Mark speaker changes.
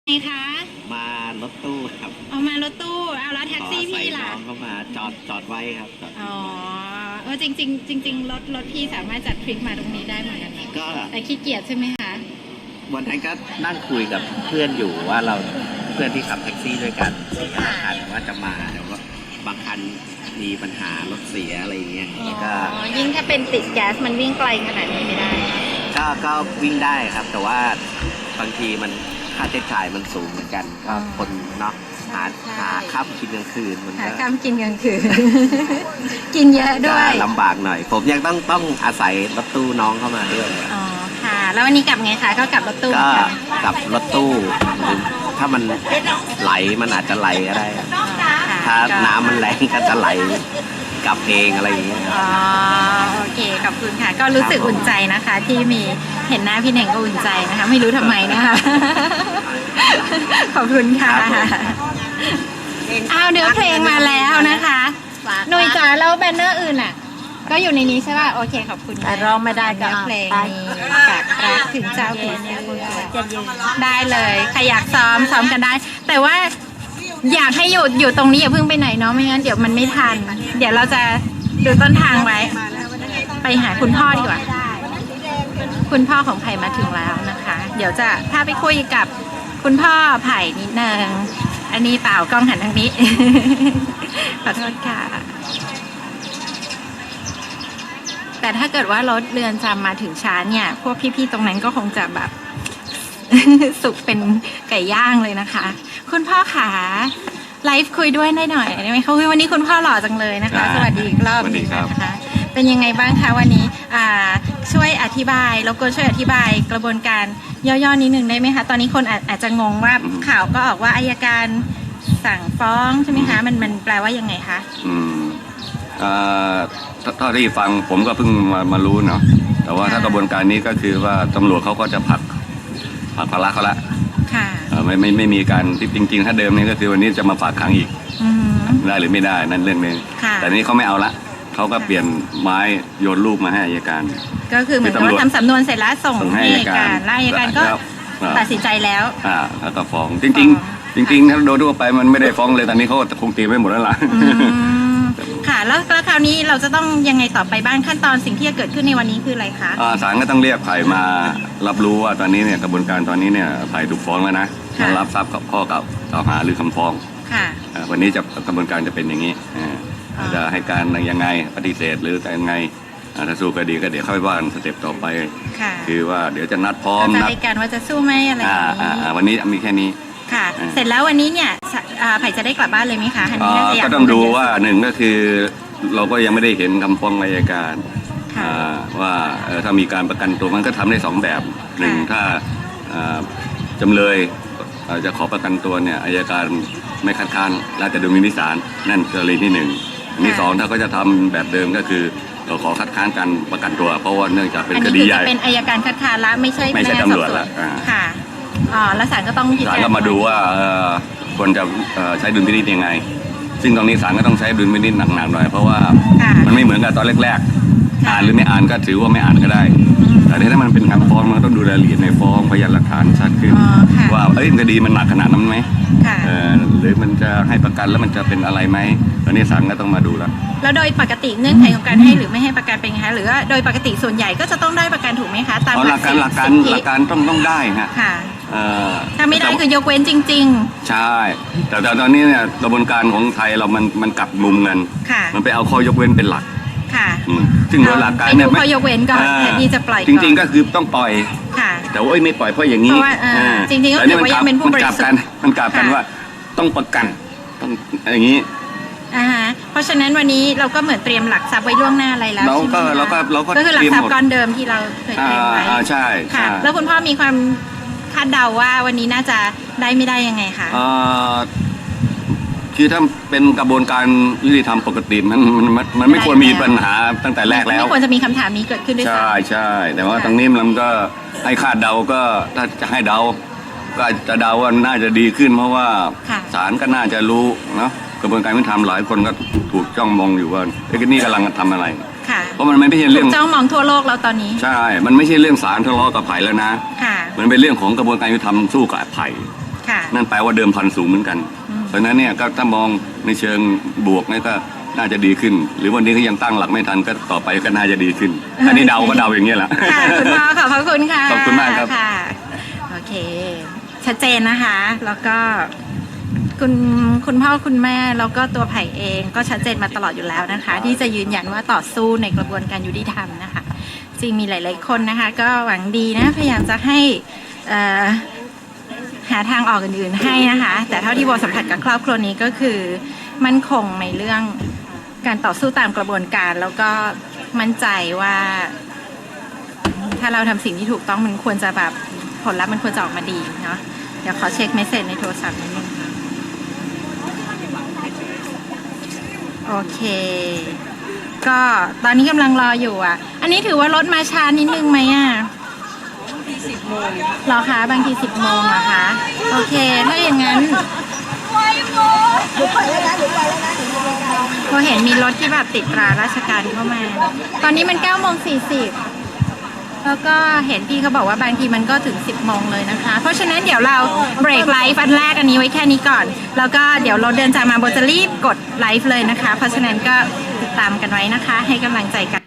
Speaker 1: ไงคะ
Speaker 2: มารถตู้ครับ
Speaker 1: เอามารถตู้เอาแล้วแท็กซี่พี่ล่ะ
Speaker 2: น้องเข้ามาจอดไว้ครับจอด
Speaker 1: อ๋อจริงจริงรถพี่สามารถจัดทริปมาตรงนี้ได้เหมือนกันนะ
Speaker 2: ก็
Speaker 1: แต่ขี้เกียจใช่ไหมคะ
Speaker 2: วันนั้นก็นั่งคุยกับเพื่อนอยู่ว่าเราเพื่อนที่ขับแท็กซี่ด้วยกัน4-5 คันว่าจะมาแต่ว่าบางคันมีปัญหารถเสียอะไรอย่างเงี้ยก็
Speaker 1: ยิ่งถ้าเป็นติดแก๊สมันวิ่งไกลขนาดนี้ไม่ได้
Speaker 2: ก็วิ่งได้ครับ แต่ว่าบางทีมันค่าใช้จ่ายมันสูงเหมือนกันก็คนเนาะหาข้าวกินกลางคืนมัน
Speaker 1: หา
Speaker 2: ก็
Speaker 1: ข้ามกินกลางคืน กินเยอะด้วย
Speaker 2: ลำบากหน่อยผมยังต้องอาศัยรถตู้น้องเข้ามาด้วย
Speaker 1: อ๋อค่ะ แล้ววันนี้กลับไงคะก็กลับรถตู้
Speaker 2: ก็กลับรถตู้หรือถ้ามันไหลมันอาจจะไหลก็ได้ถ้าน้ำมันแรงก็จะไหลกลับเองอะไรอย่างเงี้ย
Speaker 1: อ๋อโอเคขอบคุณค่ะ ก็รู้สึกอุ่นใจนะคะ ที่มีเห็นหน้าพี่เน่งก็อุ่นใจนะคะ ไม่รู้ทำไมนะคะ ขอบคุณค่ะอ้าวเนื้อเพลงมาแล้วนะคะหนุ่ยจ๋าแล้วแบนเนอร์อื่นอ่ะ ก็อยู่ในนี้ใช่ป่ะโอเคขอบคุณแต่ร้องไม่ได้กับเพลงนี้กับรักถึงเจ้าผีเสื้อจะยืนได้เลยใครอยากซ้อมกันได้ แต่ว่าอยากให้อยู่ตรงนี้อย่าเพิ่งไปไหนเนาะไม่งั้นเดี๋ยวมันไม่ทัน เดี๋ยวเราจะดูต้นทางไว้ ไปหาคุณพ่อดีกว่า คุณพ่อของไผ่มาถึงแล้วนะคะ เดี๋ยวจะพาไปคุยกับคุณพ่อไผ่นิดนึงอันนี้เปล่ากล้องหันทางนี้ ขอโทษค่ะ แต่ถ้าเกิดว่ารถเรือนจำมาถึงช้าเนี่ย พวกพี่ๆตรงนั้นก็คงจะแบบ สุกเป็นไก่ย่างเลยนะคะ คุณพ่อขาไลฟ์คุยด้วยได้หน่อยได้ไหมคะวันนี้คุณพ่อหล่อจังเลยนะคะ สวัสดีอีกรอบนึงนะคะ เป็นยังไงบ้างคะวันนี้ช่วยอธิบายแล้วก็ช่วยอธิบายกระบวนการย่อๆนิดนึงได้ไหมคะตอนนี้คนอาจจะงงว่าข่าวก็ออกว่าอัยการสั่งฟ้องใช่ไหมคะมันแปลว่ายังไงคะ
Speaker 3: เท่าที่ฟังผมก็เพิ่งมารู้เนาะแต่ว่าถ้ากระบวนการนี้ก็คือว่าตำรวจเขาก็จะผลักภาระเขาละ
Speaker 1: ค่ะ
Speaker 3: ไม่มีการจริงๆถ้าเดิมนี่ก็คือวันนี้จะมาฝากขังอีกได้หรือไม่ได้นั่นเรื่องนึงแต่นี้เขาไม่เอาละเขาก็เปลี่ยนไม้โยนลูกมาให้อัยการ
Speaker 1: ก็คือเหมือนกับว่าทำสำนวนเสร็จแล้วส่งให้อัยการแล้วอัยการก็ตัดสินใจแล้ว
Speaker 3: แล้วก็ฟ้องจริงถ้าโดยทั่วไปมันไม่ได้ฟ้องเลยตอนนี้เขาคงตีไม่หมดแล้วล่ะ
Speaker 1: ค่ะแล้วคราวนี้เราจะต้องยังไงต่อไปบ้างขั้นตอนสิ่งที่จะเกิดขึ้นในวันนี้คืออะไรคะ
Speaker 3: ศาลก็ต้องเรียกไผ่มารับรู้ว่าตอนนี้เนี่ยกระบวนการตอนนี้เนี่ยไผ่ถูกฟ้องแล้วนะมารับทราบข้อกล่าวหาหรือคำฟ้อง
Speaker 1: ค่ะ
Speaker 3: วันนี้กระบวนการจะเป็นอย่างนี้จะให้การยังไงปฏิเสธหรือยังไงถ้าสู้คดีก็เดี๋ยวค่อยว่ากันสเต็ปต่อไปคือว่าเดี๋ยวจะนัดพร้อม
Speaker 1: นัดกันว่าจะสู้ไหมอะไรอย่างนี้
Speaker 3: วันนี้มีแค่นี้
Speaker 1: ค่ะเสร็จแล้ววันนี้เนี่ยไผ่จะได้กลับบ้านเลยไหมคะ
Speaker 3: ก็ต้องดูว่าหนึ่งก็คือเราก็ยังไม่ได้เห็นคำฟ้องอัยการว่าถ้ามีการประกันตัวมันก็ทำได้2 แบบหนึ่งถ้าจำเลยจะขอประกันตัวเนี่ยอัยการไม่คัดค้านแล้วแต่ดุลพินิจศาลนั่นกรณีที่1อันที่2ถ้าก็จะทำแบบเดิมก็คือเราขอคัดค้านการประกันตัวเพราะว่าเนื่องจากเป็นคดีใหญ่
Speaker 1: เป็นอัยการคัดค้านละไม่ใช่
Speaker 3: ตำรวจละ
Speaker 1: ค่ะแล้วศาลก็ต้อง
Speaker 3: ศาลก็มาดูว่าควรจะใช้ดุลพินิจยังไงซึ่งตรงนี้ศาลก็ต้องใช้ดุลพินิจหนักๆหน่อยเพราะว่ามันไม่เหมือนกับตอนแรกๆอ่านหรือไม่อ่านก็ถือว่าไม่อ่านก็ได้แต่ถ้ามันเป็นการฟ้องมันต้องดูรายละเอียดในฟ้องพยานหลักฐานชัดขึ้นว่าคดีมันหนักขนาดนั้นไหมหรือมันจะให้ประกันแล้วมันจะเป็นอะไรไหมตอนนี้ศาลก็ต้องมาดู
Speaker 1: แล้วโดยปกติเงื่อนไขของการให้หรือไม่ให้ประกันเป็นไงคะหรือว่าโดยปกติส่วนใหญ่ก็จะต้องได้ประกันถูกไหมคะตาม
Speaker 3: หลักการต้องได้ฮะ
Speaker 1: ถ้าไม่ได้คือยกเว้นจริง
Speaker 3: ๆใช่แต่ตอนนี้เนี่ยกระบวนการของไทยเรามันกลับมุมกันมันไปเอาข้อยกเว้นเป็นหลักซึ่งโดยหลักการเนี่ย
Speaker 1: ข้อยกเว้นก็แทนที่จะปล่อย
Speaker 3: จริงๆก็คือต้องปล่อยแต่ว่าไม่ปล่อยเพราะอย่างนี้
Speaker 1: จริงๆก็คือว่ายังเป็นผู้บริสุทธิ์
Speaker 3: มันกลับกันว่าต้องประกันต้องอย่างนี้
Speaker 1: เพราะฉะนั้นวันนี้เราก็เหมือนเตรียมหลักทรัพย์ไว้ล่วงหน้าอะไรแล้ว
Speaker 3: เราก็
Speaker 1: คือหลักทรัพย์ก้อนเดิมที่เราเคยเตรียมไว้
Speaker 3: ใช่
Speaker 1: ค่ะแล้วคุณพ่อมีความคาดเดาว่าวันนี้น่าจะได้ไม่ได้ยังไงคะ
Speaker 3: คือถ้าเป็นกระบวนการยุติธรรมปกติมันไม่ควรมีปัญหาตั้งแต่แรกแล้ว
Speaker 1: ไม่ควรจะมีคำถามนี้เกิดขึ้นด้วยซ้
Speaker 3: ำใช่แต่ว่าตรงนี้มันก็ให้คาดเดาก็ถ้าจะให้เดาก็จะเดาว่าน่าจะดีขึ้นเพราะว่าศาลก็น่าจะรู้เนาะกระบวนการยุติธรรมหลายคนก็ถูกจ้องมองอยู่ว่านี่กำลังทำอะไรเพราะมันไม่ใช่เรื่อง
Speaker 1: จ้องมองทั่วโลกแล้วตอนนี้
Speaker 3: ใช่มันไม่ใช่เรื่องศาลทะเลาะกับไผ่แล้วนะมันเป็นเรื่องของกระบวนการยุติธรรมสู้กับไผ่
Speaker 1: ค่ะ
Speaker 3: นั่นแปลว่าเดิมพันสูงเหมือนกัน เพราะฉะนั้นเนี่ยก็ถ้ามองในเชิงบวกเนี่ยก็น่าจะดีขึ้น หรือวันนี้ก็ยังตั้งหลักไม่ทันก็ต่อไปก็น่าจะดีขึ้น อันนี้เดาก็เดาอย่างเงี้ยแหละ
Speaker 1: ค่ะคุณพ่อขอบพระคุณค่ะ
Speaker 3: ขอบคุณมากครับ
Speaker 1: ค่ะโอเค ชัดเจนนะคะ แล้วก็คุณพ่อคุณแม่แล้วก็ตัวไผ่เองก็ชัดเจนมาตลอดอยู่แล้วนะคะ ที่จะยืนยันว่าต่อสู้ในกระบวนการยุติธรรมนะคะ จริงมีหลายๆคนนะคะ ก็หวังดีนะพยายามจะให้หาทางออกอื่นๆให้นะคะ แต่เท่าที่โบสัมผัสกับครอบครัวนี้ก็คือมั่นคงในเรื่องการต่อสู้ตามกระบวนการ แล้วก็มั่นใจว่าถ้าเราทำสิ่งที่ถูกต้องมันควรจะแบบผลลัพธ์มันควรจะออกมาดีเนาะเดี๋ยวขอเช็คเมสเซจในโทรศัพท์นิดนึงค่ะโอเค ก็ตอนนี้กำลังรออยู่อ่ะ อันนี้ถือว่ารถมาช้านิดนึงไหมอ่ะ10 โมงหรอคะบางที10 โมงเหรอคะโอเคถ้าอย่างนั้นพอเห็นมีรถที่แบบติดตราราชการเข้ามา ตอนนี้มัน9:40แล้วก็เห็นพี่เขาบอกว่าบางทีมันก็ถึง10 โมงเลยนะคะ เพราะฉะนั้นเดี๋ยวเราเบรกไลฟ์อันแรกอันนี้ไว้แค่นี้ก่อน แล้วก็เดี๋ยวเราเดินจากมาโบจะรีบกดไลฟ์เลยนะคะ เพราะฉะนั้นก็ติดตามกันไว้นะคะ ให้กำลังใจกัน